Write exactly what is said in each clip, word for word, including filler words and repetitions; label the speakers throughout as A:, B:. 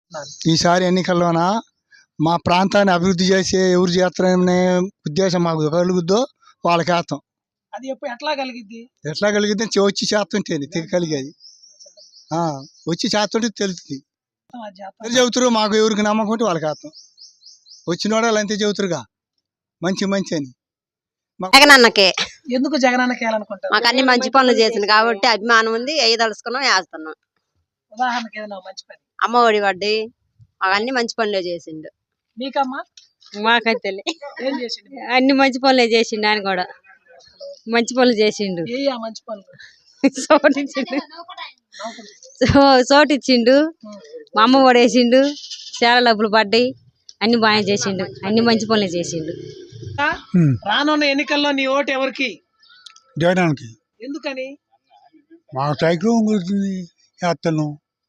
A: అనుకుంటున్నారు?
B: ఈసారి ఎన్నికల్లోన మా ప్రాంతాన్ని అభివృద్ధి చేసే ఎవరు చేస్తారనే ఉద్దేశం మాకు కలుగుద్దో వాళ్ళకి వేస్తాం.
A: అది ఎప్పుడు ఎట్లా కలిగిద్ది?
B: ఎట్లా కలిగిద్ది వచ్చి చేస్తుంటేది తెగ కలిగేది వచ్చి చేస్తుంటే తెలుస్తుంది. చెబుతారు మాకు ఎవరికి నమ్మకం ఉంటే వాళ్ళకి వేస్తాం. వచ్చిన వాళ్ళు అంతే చెబుతారుగా మంచి మంచి అని.
C: జగనన్నకే.
A: ఎందుకు జగనన్నకి వేయాలనుకుంటారు?
C: మాకు అన్ని మంచి పనులు చేసింది కాబట్టి అభిమానం ఉంది, వేయదలుచుకున్నాం, వేస్తున్నాం.
A: ఉదాహరణకి ఏదైనా మంచి పని?
C: అమ్మ ఒడి వడ్డీ మాకు అన్ని మంచి పనులే చేసిండు.
A: మీకమ్మా?
D: మాకైతే
A: ఏం చేసిండు?
D: అన్ని మంచి పనులే చేసిండు. ఆయన కూడా మంచి పనులు చేసిండు.
A: ఏ మంచి పనులు?
D: చోటిచ్చిండు చోటిచ్చిండు మా అమ్మ కూడా వేసిండు, చాలా డబ్బులు పడ్డాయి, అన్ని బాగా చేసిండు, అన్ని మంచి పనులే చేసిండు.
A: రానున్న ఎన్నికల్లో నీ ఓటు ఎవరికి?
B: జగనానికి.
A: ఎందుకని?
B: మా సైకిల్ గురించి వేస్తాను,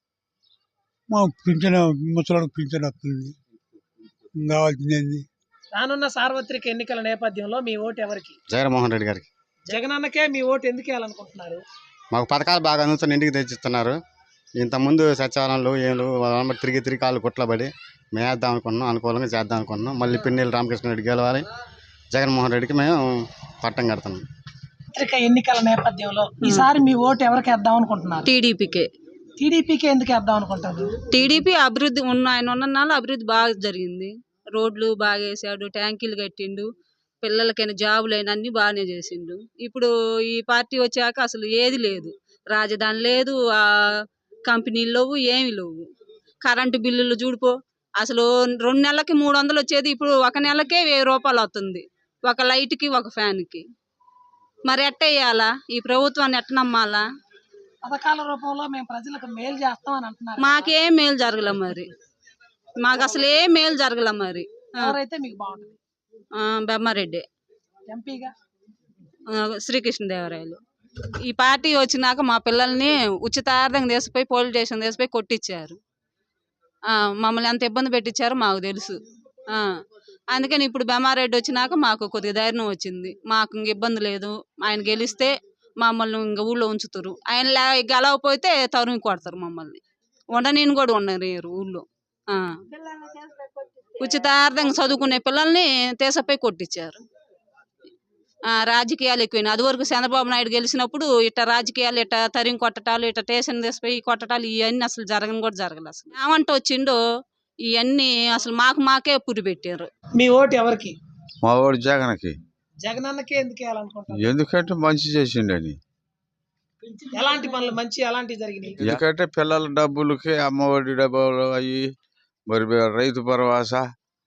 B: మా పింఛన్ ముసలాడికి పింఛన్ వస్తుంది, కావాల్సింది.
A: రానున్న సార్వత్రిక ఎన్నికల నేపథ్యంలో మీ ఓటు ఎవరికి?
E: జగన్మోహన్ రెడ్డి గారికి.
A: జగనన్నకే మీ ఓటు ఎందుకు వేయాలనుకుంటున్నారు?
E: మాకు పథకాలు బాగా అందుతున్న ఇంటికి తెచ్చిస్తున్నారు. ఇంతకుముందు సచివాలయంలో ఏళ్ళు తిరిగి తిరిగి కాళ్ళు కుట్లబడి మేము వేద్దాం అనుకున్నాం, అనుకూలంగా చేద్దాం అనుకున్నాం. మళ్ళీ పిన్నెల్లి రామకృష్ణారెడ్డి గెలవాలి, జగన్మోహన్ రెడ్డికి మేము పట్టం కడుతున్నాం.
A: సార్వత్రిక ఎన్నికల నేపథ్యంలో ఈసారి మీ ఓటు ఎవరికి వేద్దాం అనుకుంటున్నారు?
D: టీడీపీకే.
A: టీడీపీకి ఎందుకు వేద్దాం అనుకుంటారు?
D: టీడీపీ అభివృద్ధి ఉన్న ఆయన ఉన్న నాళ్ళు అభివృద్ధి బాగా జరిగింది. రోడ్లు బాగా వేసాడు, ట్యాంకీలు కట్టిండు, పిల్లలకైనా జాబులైనా అన్ని బాగానే చేసిండు. ఇప్పుడు ఈ పార్టీ వచ్చాక అసలు ఏది లేదు, రాజధాని లేదు, ఆ కంపెనీలు లేవు, ఏమి లేవు. కరెంటు బిల్లులు చూడిపో, అసలు రెండు నెలలకి మూడు వందలు వచ్చేది ఇప్పుడు ఒక నెలకే వెయ్యి రూపాయలు అవుతుంది, ఒక లైట్కి ఒక ఫ్యాన్కి. మరి ఎట్ట వేయాలా ఈ ప్రభుత్వాన్ని, ఎట్ట నమ్మాలా?
A: పథకాల రూపంలో మేము ప్రజలకు మేలు చేస్తాం అని అంటున్నారు.
D: మాకేం మేలు జరగలే, మరి మాకు అసలు ఏం మేలు జరగలే. మరి
A: ఎవరైతే మీకు బాగుంటుంది?
D: బెమ్మారెడ్డి
A: ఎంపీగా
D: శ్రీకృష్ణదేవరాయలు. ఈ పార్టీ వచ్చినాక మా పిల్లల్ని ఉచితార్థంగా తీసిపోయి పోలీస్ స్టేషన్ తీసిపోయి కొట్టించారు. మమ్మల్ని ఎంత ఇబ్బంది పెట్టించారో మాకు తెలుసు. అందుకని ఇప్పుడు బెమ్మారెడ్డి వచ్చినాక మాకు కొద్దిగా ధైర్యం వచ్చింది, మాకు ఇంక ఇబ్బంది లేదు. ఆయన గెలిస్తే మమ్మల్ని ఇంక ఊళ్ళో ఉంచుతారు, ఆయన గెలవకపోతే తరుము కొడతారు మమ్మల్ని, ఉండనీని కూడా ఉండరు ఊళ్ళో. ఉచితార్థంగా చదువుకునే పిల్లల్ని తీసపోయి కొట్టించారు. రాజకీయాలు ఎక్కువైనాయి. అది వరకు చంద్రబాబు నాయుడు గెలిచినప్పుడు ఇట్ట రాజకీయాలు ఇట్ట తరిమి కొట్టటాలు, ఇట్ట స్టేషన్ తీసిపోయి కొట్టటాలు ఇవన్నీ అసలు జరగని కూడా జరగలేదు. అసలు ఏమంటే వచ్చిండో ఇవన్నీ అసలు మాకు మాకే పురి పెట్టారు.
A: మీ ఓటు ఎవరికి?
F: మా ఓటు జగన్కి.
A: జగనన్నకే ఎందుకు వేయాలనుకుంటున్నారు?
F: ఎందుకంటే మంచి చేసిండని.
A: ఎలాంటి పనులు మంచి ఎలాంటి జరిగినాయి?
F: ఎందుకంటే పిల్లల డబ్బులకి అమ్మ ఒడి డబ్బులు అయ్యి, మరి రైతు భరోసా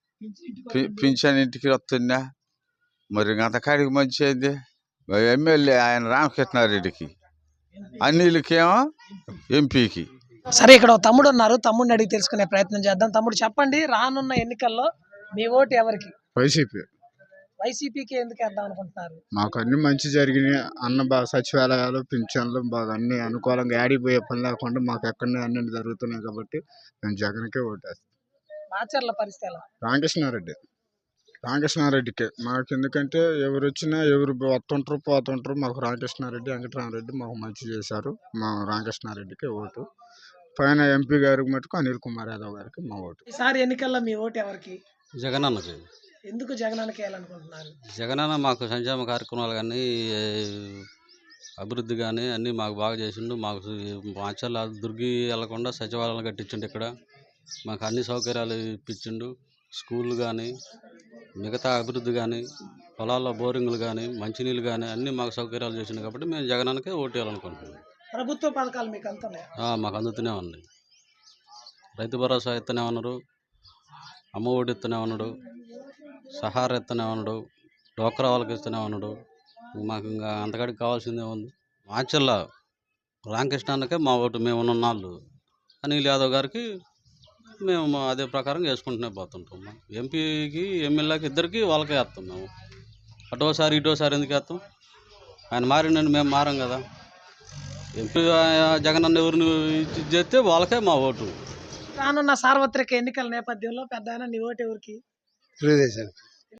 F: పింఛన్ ఇంటికి వస్తుందా, మరి అంతకాడికి మంచి అయింది. ఎమ్మెల్యే ఆయన రామకృష్ణారెడ్డికి, అన్నిలకేమో ఎంపీకి.
A: సరే, ఇక్కడ తమ్ముడు ఉన్నారు, తమ్ముడిని అడిగి తెలుసుకునే ప్రయత్నం చేద్దాం. తమ్ముడు చెప్పండి, రానున్న ఎన్నికల్లో మీ ఓటు ఎవరికి?
F: వైసీపీ.
A: వైసీపీకి ఎందుకు వేద్దాం అనుకుంటున్నారు?
F: మాకు అన్ని మంచి జరిగినాయి, అన్న బాగా సచివాలయాలు పింఛన్లు బాగా అన్ని అనుకూలంగా ఆడిపోయే పని లేకుండా మాకు ఎక్కడనే అన్ని జరుగుతున్నాయి కాబట్టి మేము జగన్కే ఓటేస్తాం.
A: మాచర్ల పరిస్థితి ఎలా?
F: రామకృష్ణారెడ్డి. రామకృష్ణారెడ్డికే మాకు, ఎందుకంటే ఎవరు వచ్చినా ఎవరు వస్తుంటారు పోతుంటారు, మాకు రామకృష్ణారెడ్డి వెంకటరామరెడ్డి మాకు మంచి చేశారు. మా రామకృష్ణారెడ్డికే ఓటు. పైన ఎంపీ గారికి మటుకు అనిల్ కుమార్ యాదవ్ గారికి మా ఓటు.
A: ఈసారి ఎన్నికల్లో మీ ఓటు ఎవరికి?
G: జగనన్నకి.
A: ఎందుకు జగనన్నకి వేయాలనుకుంటున్నారు?
G: జగనన్న మాకు సంక్షేమ కార్యక్రమాలు కానీ అభివృద్ధి కానీ అన్నీ మాకు బాగా చేసిండు. మాకు మాచర్ల దుర్గి వెళ్లకుండా సచివాలయాలు కట్టించిండు, ఇక్కడ మాకు అన్ని సౌకర్యాలు ఇప్పించిండు. స్కూళ్ళు కానీ మిగతా అభివృద్ధి కానీ పొలాల్లో బోరింగ్లు కానీ మంచినీళ్ళు కానీ అన్నీ మాకు సౌకర్యాలు చేసిండు కాబట్టి మేము జగనన్నకే ఓటు వేయాలనుకుంటున్నాం.
A: ప్రభుత్వ పథకాలు మీకు అందుతున్నాయా?
G: మాకు అందుతూనే ఉంది. రైతు భరోసా ఇస్తూనే ఉన్నారు, అమ్మ ఒడి ఇస్తూనే ఉన్నాడు, సహారా ఇస్తూనే ఉన్నాడు, డోక్రా వాళ్ళకి ఇస్తూనే ఉన్నాడు. మాకు ఇంకా అంతకాడికి కావాల్సిందే ఉంది. మాచర్ల రామకృష్ణాన్నకే మా ఓటు. మేము ఉన్న నాళ్ళు అనిల్ యాదవ్ గారికి మేము అదే ప్రకారం వేసుకుంటూనే పోతుంటాం. ఎంపీకి ఎమ్మెల్యేకి ఇద్దరికి వాళ్ళకే వేస్తాం మేము. అటోసారి ఇటోసారి ఎందుకు వేస్తాం? ఆయన మారిండని మేము మారం కదా. ఎంపీ జగనన్న ఎవరిని చేస్తే వాళ్ళకే మా ఓటు.
A: రానున్న సార్వత్రిక ఎన్నికల నేపథ్యంలో పెద్ద నీ ఓటు ఎవరికి?
B: తెలుగుదేశం.